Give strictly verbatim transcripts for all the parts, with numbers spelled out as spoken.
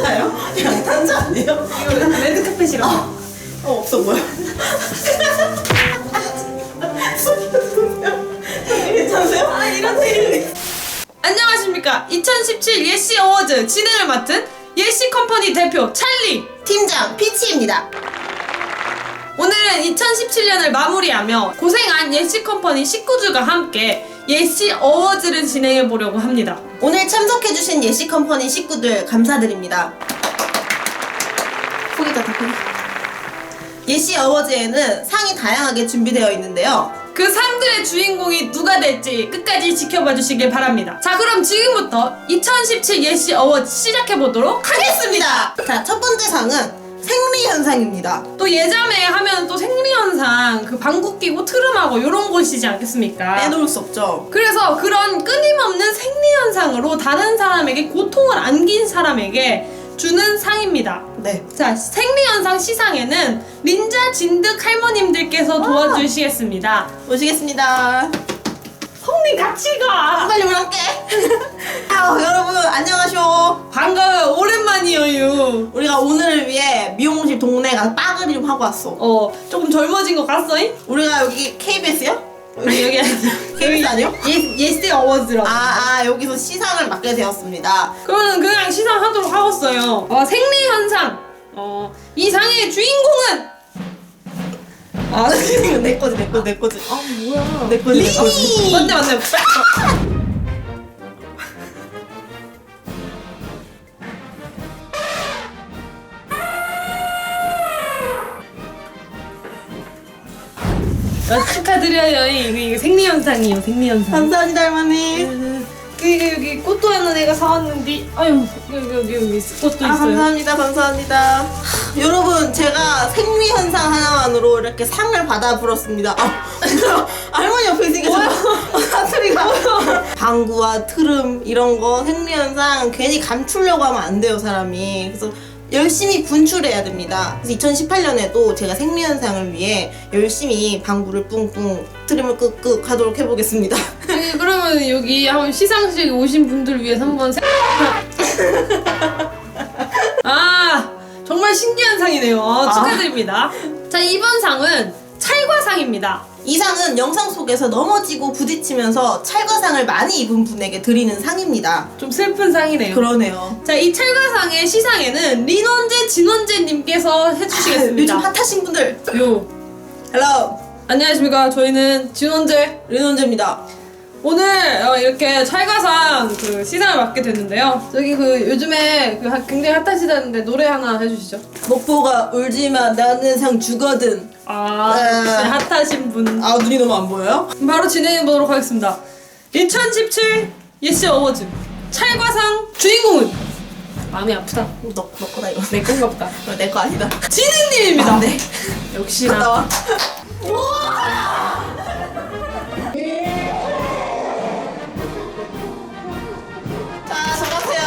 괜찮아요? 양탄자 아니에요? 이거 레드카펫이라고. 어, 어 없어 보여. 괜찮으세요? 아 이런 일. 안녕하십니까. 이천십칠 예시 어워즈 진행을 맡은 예시 컴퍼니 대표 찰리 팀장 피치입니다. 오늘은 이천십칠 년을 마무리하며 고생한 예시 컴퍼니 식구들과 함께 예시 어워즈를 진행해 보려고 합니다. 오늘 참석해주신 예시 컴퍼니 식구들 감사드립니다. 포기다 다 포기. 예시 어워즈에는 상이 다양하게 준비되어 있는데요. 그 상들의 주인공이 누가 될지 끝까지 지켜봐 주시길 바랍니다. 자, 그럼 지금부터 이천십칠 예시 어워즈 시작해 보도록 하겠습니다. 자, 첫 번째 상은 생리현상입니다. 또 예자매 하면 또 생리현상, 그 방귀 끼고 트름하고 이런 곳이지 않겠습니까? 빼놓을 수 없죠. 그래서 그런 끊임없는 생리현상으로 다른 사람에게 고통을 안긴 사람에게 주는 상입니다. 네. 자, 생리현상 시상에는 린자 진득 할머님들께서 도와주시겠습니다. 모시겠습니다. 성님 같이 가! 빨리 우리 함께. 아유, 여러분 안녕하쇼. 반가워요. 오랜만이에요. 우리가 오늘을 위해 미용실 동네 가서 빠그리 좀 하고 왔어. 어, 조금 젊어진 것 같어잉? 우리가 여기 케이비에스요? 아니, 여기 아니야. 케이비에스 아니요? 예, 예스 어워즈라고. 아, 아 여기서 시상을 맡게 되었습니다. 그러면 그냥 시상하도록 하겠어요. 어, 생리현상. 어, 이 상의 주인공은 아, 이거 내 거지, 내 거지, 내 거지. 아, 뭐야. 내 거지, 내 거지. 맞네, 맞네. 아, 축하드려요. 이거, 이거 생리현상이에요, 생리현상. 감사합니다, 할머니. 여기, 여기 꽃도 하나 내가 사왔는데, 아유, 여기, 여기, 여기 꽃도 아, 있어요. 감사합니다, 감사합니다. 하, 여러분, 제가 생리현상 하나만으로 이렇게 상을 받아 불었습니다. 아, 할머니 옆에 있으니까 사투리가. 방구와 트름, 이런 거, 생리현상 괜히 감추려고 하면 안 돼요, 사람이. 그래서 열심히 분출해야 됩니다. 그래서 이천십팔 년에도 제가 생리현상을 위해 열심히 방구를 뿡뿡, 트림을 끄끄 하도록 해보겠습니다. 네, 그러면 여기 한번 시상식 오신 분들 위해서 한번 생... 아, 정말 신기한 상이네요. 아, 축하드립니다. 자, 이번 상은 찰과상입니다. 이 상은 영상 속에서 넘어지고 부딪히면서 찰과상을 많이 입은 분에게 드리는 상입니다. 좀 슬픈 상이네요. 그러네요. 자, 이 찰과상의 시상에는 린원재, 진원재님께서 해주시겠습니다. 요즘 핫하신 분들. 요. 헬로. 안녕하십니까. 저희는 진원재. 린원재입니다. 오늘 어, 이렇게 찰과상 그 시상을 맡게 됐는데요. 저기 그 요즘에 그 하- 굉장히 핫하시다는데 노래 하나 해주시죠. 목보가 울지마 나는 상 주거든. 아, 네. 역시 핫하신 분. 아 눈이 너무 안 보여요? 바로 진행해 보도록 하겠습니다. 이천십칠 예시 어워즈 찰과상 주인공은 마음이 아프다. 너, 너 거다 이거. 내 건가 보다. 내 거 아니다. 진우님입니다. 아, 네. 역시나. 갔다 와. 자, 수고하세요.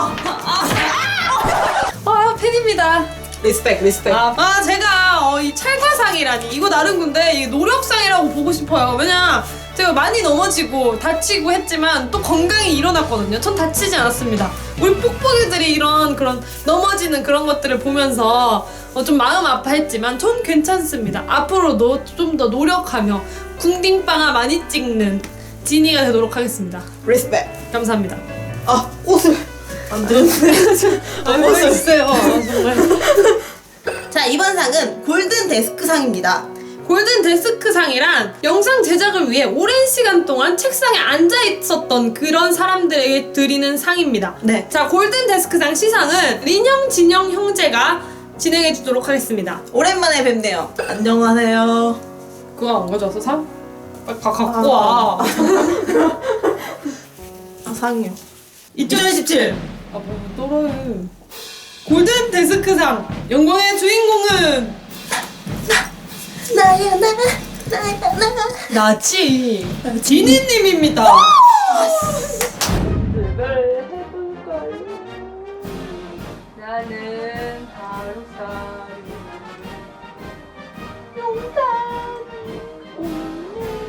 아, 팬입니다. 리스펙, 리스펙. 아, 아 제가 어, 이 찰과상이라니 이거 나름 근데 이 노력상이라고 보고 싶어요. 왜냐 제가 많이 넘어지고 다치고 했지만 또 건강히 일어났거든요. 전 다치지 않았습니다. 우리 뽁뽁이들이 이런 그런 넘어지는 그런 것들을 보면서 어, 좀 마음 아파했지만 전 괜찮습니다. 앞으로도 좀 더 노력하며 궁딩빵아 많이 찍는 지니가 되도록 하겠습니다. 리스펙. 감사합니다. 아, 옷을 안 들었네. 아, 멋있어요. 정말. 자, 이번 상은 골든 데스크 상입니다. 골든 데스크 상이란 영상 제작을 위해 오랜 시간 동안 책상에 앉아 있었던 그런 사람들에게 드리는 상입니다. 네. 자, 골든 데스크 상 시상은 린형, 진형 형제가 진행해 주도록 하겠습니다. 오랜만에 뵙네요. 안녕하세요. 그거 안 가져왔어, 상? 빨리 가, 갖고 와. 아, 상이요. 이천십칠. 아, 뭐, 떨어요. 골든 데스크 상 영광의 주인공은 나야, 나, 나야, 나. 나치 지니님입니다. 나는 하루살이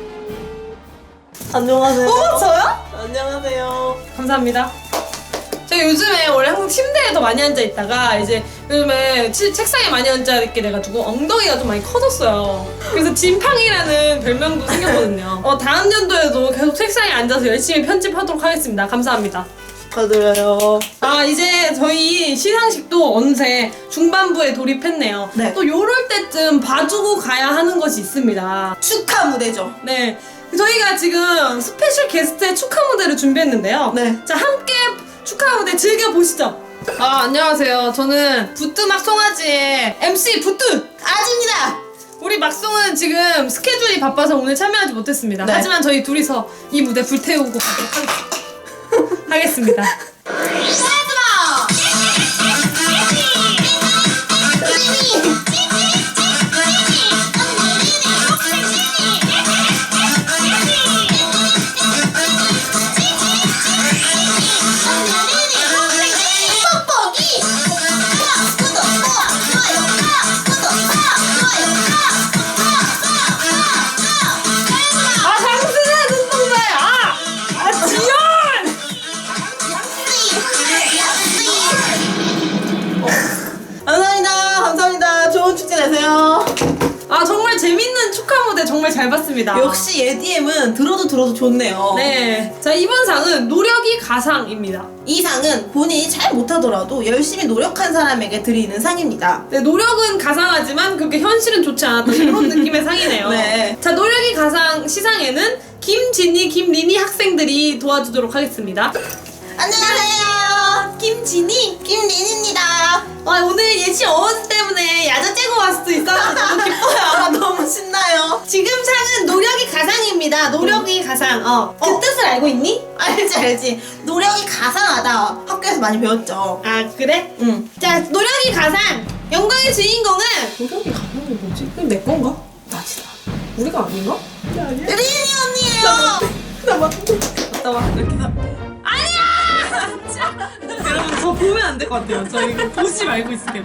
안녕하세요. 어, 저요? 안녕하세요. 감사합니다. 자, 제가 요즘에 원래 항상 침대에 더 많이 앉아 있다가 이제 요즘에 치, 책상에 많이 앉아 있게 돼가지고 엉덩이가 좀 많이 커졌어요. 그래서 진팡이라는 별명도 생겼거든요. 어, 다음 연도에도 계속 책상에 앉아서 열심히 편집하도록 하겠습니다. 감사합니다. 축하드려요. 아, 이제 저희 시상식도 어느새 중반부에 돌입했네요. 네. 또 요럴 때쯤 봐주고 가야 하는 것이 있습니다. 축하 무대죠. 네. 저희가 지금 스페셜 게스트의 축하 무대를 준비했는데요. 네. 자, 함께 축하 무대 즐겨보시죠. 아, 안녕하세요. 저는 부뚜 막송아지의 엠씨 부뚜! 아집니다. 우리 막송은 지금 스케줄이 바빠서 오늘 참여하지 못했습니다. 네. 하지만 저희 둘이서 이 무대 불태우고 가도록 하겠습니다. 하겠습니다. 아, 당신의 눈동자에 아! 아, 지연! 감사합니다. 감사합니다. 좋은 축제 되세요. 아, 정말 재밌는 축하 무대 정말 잘 봤습니다. 역시 에디엠은 들어도 들어도 좋네요. 네. 자, 이번 상은 노력이 가상입니다. 이 상은 본인이 잘 못하더라도 열심히 노력한 사람에게 드리는 상입니다. 네, 노력은 가상하지만 그렇게 현실은 좋지 않았던 이런 느낌의 상이네요. 네. 자, 노력이 가상 시상에는 김진희, 김리니 학생들이 도와주도록 하겠습니다. 안녕하세요. 김진희, 김린입니다. 아, 오늘 예시 어워즈 때문에 야자 째고 왔을 수 있어서 너무 기뻐요. 아, 너무 신나요. 지금 상은 노력이 가상입니다. 노력이 가상. 어. 그 어. 뜻을 알고 있니? 알지 알지. 노력이 가상하다. 학교에서 많이 배웠죠. 아, 그래? 응. 자, 노력이 가상. 영광의 주인공은 노력이 가상이 뭐지? 그게 내 건가? 나지다. 우리가 아닌가? 린이 언니예요. 나 맞. 갔다 와. 이렇게 나. 여러분, 저 보면 안 될 것 같아요. 저 이거 보지 말고 있을게요.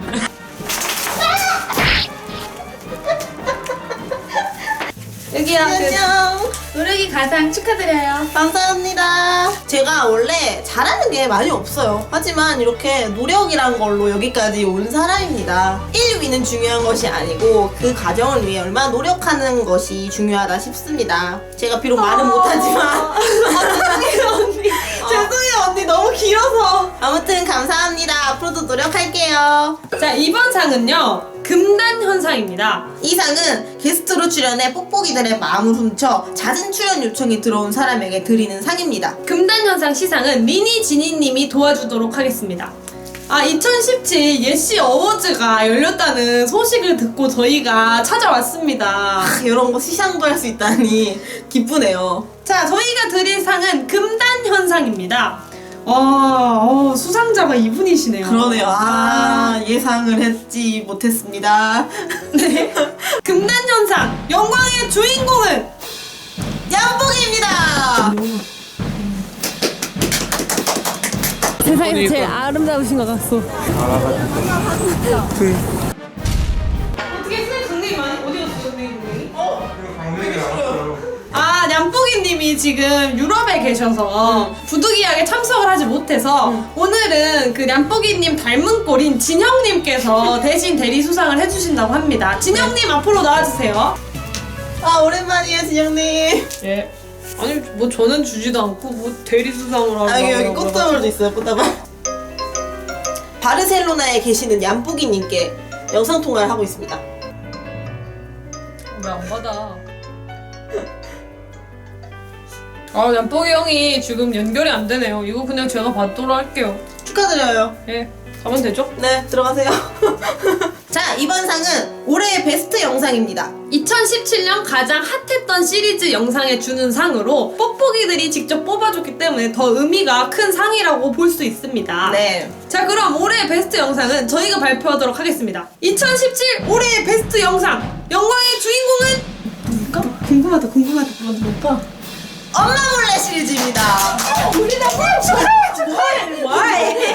여기요. 안녕. 노력이 가상 축하드려요. 감사합니다. 제가 원래 잘하는 게 많이 없어요. 하지만 이렇게 노력이란 걸로 여기까지 온 사람입니다. 일 위는 중요한 것이 아니고 그 과정을 위해 얼마나 노력하는 것이 중요하다 싶습니다. 제가 비록 말은 못하지만 아, 죄송해요, 언니. 죄송해요 언니 너무 길어서. 아무튼 감사합니다. 앞으로도 노력할게요. 자, 이번 상은요. 금단 현상입니다. 이 상은 게스트로 출연해 뽁뽁이들의 마음을 훔쳐 잦은 출연 요청이 들어온 사람에게 드리는 상입니다. 금단 현상 시상은 리니 지니님이 도와주도록 하겠습니다. 아, 이천십칠 예시 어워즈가 열렸다는 소식을 듣고 저희가 찾아왔습니다. 아, 이런 거 시상도 할 수 있다니 기쁘네요. 자, 저희가 드릴 상은 금단 현상입니다. 와, 어, 수상자가 이분이시네요. 그러네요. 아, 예상을 했지 못했습니다. 네. 금단 현상 영광의 주인공은 얌봉입니다. 세상에서 제일 아름다우신 것 같소. 어떻게 선생님 강냉이 많이 어디 갔어, 선생님 강냉이? 아, 냠뽕이님이 지금 유럽에 계셔서 부득이하게 참석을 하지 못해서 오늘은 그 냠뽕이님 닮은 꼴인 진영님께서 대신 대리 수상을 해주신다고 합니다. 진영님 앞으로 나와주세요. 아, 오랜만이에요, 진영님. 예. 아니, 뭐 저는 주지도 않고 뭐 대리 수상을 하고. 아, 여기, 여기 꽃다발도 있어요, 꽃다발. 바르셀로나에 계시는 얌뽀기님께 영상통화를 하고 있습니다. 왜 안 받아? 아, 얌뽕이 형이 지금 연결이 안 되네요. 이거 그냥 제가 받도록 할게요. 축하드려요. 예, 가면 되죠? 네, 들어가세요. 자, 이번 상은 올해의 베스트 영상입니다. 이천십칠 년 가장 핫했던 시리즈 영상에 주는 상으로 뽁뽁이들이 직접 뽑아줬기 때문에 더 의미가 큰 상이라고 볼 수 있습니다. 네. 자, 그럼 올해의 베스트 영상은 저희가 발표하도록 하겠습니다. 이천십칠 올해의 베스트 영상 영광의 주인공은 누굴까? 궁금하다 궁금하다. 먼저 못 봐. 엄마 몰래 시리즈입니다. 우리 나 축하해 축하해. 와이.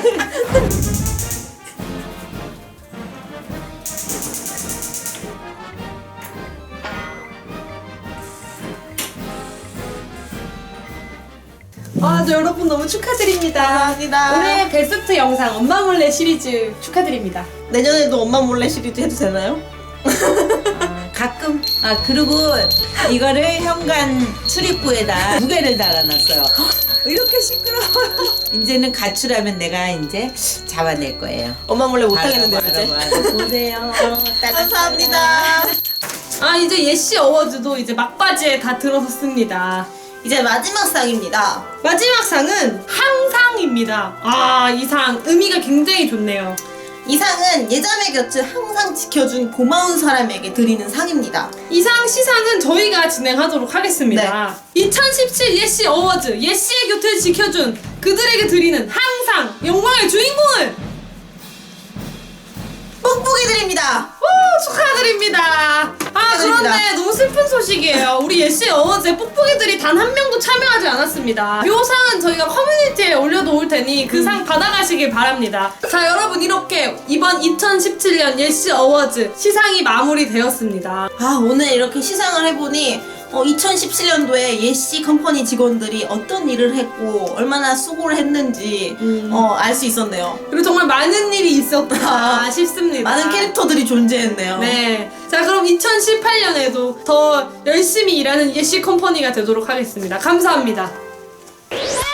아, 저 여러분 너무 축하드립니다. 감사합니다. 올해 베스트 영상 엄마 몰래 시리즈 축하드립니다. 내년에도 엄마 몰래 시리즈 해도 되나요? 아, 가끔 아 그리고 이거를 현관 출입구에다 무게를 달아놨어요. 이렇게 시끄러워요. 이제는 가출하면 내가 이제 잡아낼 거예요. 엄마 몰래 못하겠는데요, 바로, 이제. 바로, 바로 보세요. 감사합니다. 아, 이제 예시 어워즈도 이제 막바지에 다 들어섰습니다. 이제 마지막 상입니다. 마지막 상은 항상입니다. 아, 이 상 의미가 굉장히 좋네요. 이 상은 예자매 곁을 항상 지켜준 고마운 사람에게 드리는 상입니다. 이 상 시상은 저희가 진행하도록 하겠습니다. 이천십칠 예시 어워즈, 예시의 곁을 지켜준 그들에게 드리는 항상 영광의 주인공을 뽁뽁이 드립니다. 오, 축하드립니다. 아, 축하드립니다. 그런데 너무 슬픈 소식이에요. 우리 예시 어워즈에 뽁뽁이들이 단 한 명도 참여하지 않았습니다. 이 상은 저희가 커뮤니티에 올려놓을 테니 그 상 받아가시길 바랍니다. 자, 여러분, 이렇게 이번 이천십칠 년 예시 어워즈 시상이 마무리되었습니다. 아, 오늘 이렇게 시상을 해보니 어, 이천십칠 년도에 예시 컴퍼니 직원들이 어떤 일을 했고 얼마나 수고를 했는지 음. 어, 알 수 있었네요. 그리고 정말 많은 일이 있었다 싶습니다. 많은 캐릭터들이 존재했네요. 네. 자, 그럼 이천십팔 년에도 더 열심히 일하는 예시 컴퍼니가 되도록 하겠습니다. 감사합니다.